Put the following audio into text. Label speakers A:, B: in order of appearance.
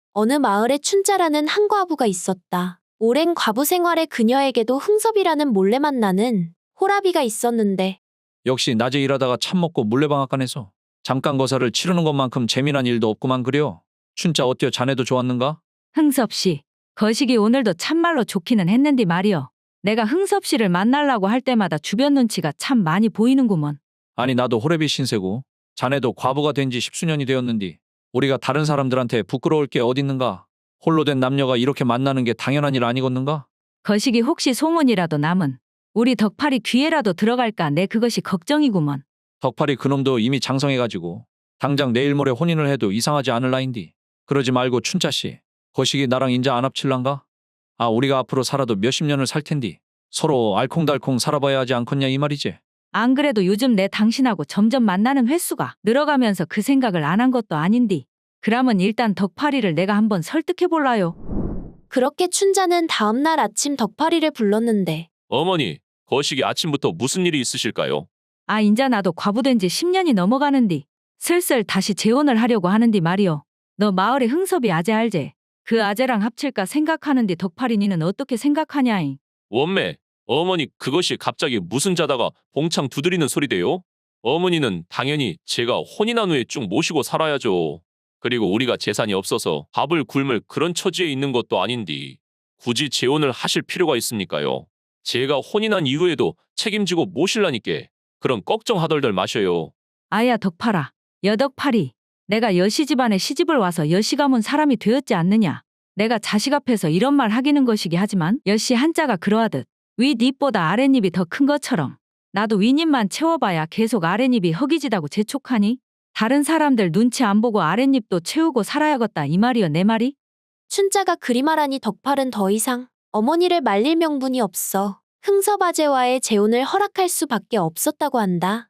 A: 어느 마을에 춘자라는 한 과부가 있었다. 오랜 과부 생활에 그녀에게도 흥섭이라는 몰래 만나는 호라비가 있었는데
B: 역시 낮에 일하다가 참 먹고 물레방앗간에서 잠깐 거사를 치르는 것만큼 재미난 일도 없구만 그려. 춘자 어때요? 자네도 좋았는가?
C: 흥섭 씨, 거시기 오늘도 참말로 좋기는 했는디 말이여. 내가 흥섭 씨를 만나려고 할 때마다 주변 눈치가 참 많이 보이는구먼.
B: 아니 나도 호래비 신세고 자네도 과부가 된 지 십수년이 되었는디 우리가 다른 사람들한테 부끄러울 게 어딨는가? 홀로 된 남녀가 이렇게 만나는 게 당연한 일 아니겠는가?
C: 거시기 혹시 소문이라도 남은 우리 덕팔이 귀에라도 들어갈까 내 그것이 걱정이구먼.
B: 덕팔이 그놈도 이미 장성해가지고 당장 내일 모레 혼인을 해도 이상하지 않을 나인디. 그러지 말고 춘자씨, 거시기 나랑 인자 안 합칠란가? 아 우리가 앞으로 살아도 몇십 년을 살 텐디 서로 알콩달콩 살아봐야 하지 않겠냐 이 말이지.
C: 안 그래도 요즘 내 당신하고 점점 만나는 횟수가 늘어가면서 그 생각을 안 한 것도 아닌디. 그러면 일단 덕팔이를 내가 한번 설득해볼라요.
A: 그렇게 춘자는 다음날 아침 덕파리를 불렀는데
D: 어머니, 거시기 아침부터 무슨 일이 있으실까요?
C: 아 인자 나도 과부된 지 10년이 넘어가는디. 슬슬 다시 재혼을 하려고 하는디 말이여. 너 마을에 흥섭이 아재 알제? 그 아재랑 합칠까 생각하는디 덕팔이 니는 어떻게 생각하냐잉?
D: 원매, 어머니 그것이 갑자기 무슨 자다가 봉창 두드리는 소리대요? 어머니는 당연히 제가 혼인한 후에 쭉 모시고 살아야죠. 그리고 우리가 재산이 없어서 밥을 굶을 그런 처지에 있는 것도 아닌디 굳이 재혼을 하실 필요가 있습니까요? 제가 혼인한 이후에도 책임지고 모실라니께 그런 걱정하덜덜 마셔요.
C: 아야 덕팔아, 여덕팔이. 내가 여시 집안에 시집을 와서 여시 가문 사람이 되었지 않느냐. 내가 자식 앞에서 이런 말 하기는 것이기 하지만 여시 한자가 그러하듯 윗입보다 아랫입이 더 큰 것처럼 나도 윗입만 채워봐야 계속 아랫입이 허기지다고 재촉하니 다른 사람들 눈치 안 보고 아랫입도 채우고 살아야겠다 이 말이여 내 말이?
A: 춘자가 그리 말하니 덕팔은 더 이상 어머니를 말릴 명분이 없어 흥섭 아재와의 재혼을 허락할 수밖에 없었다고 한다.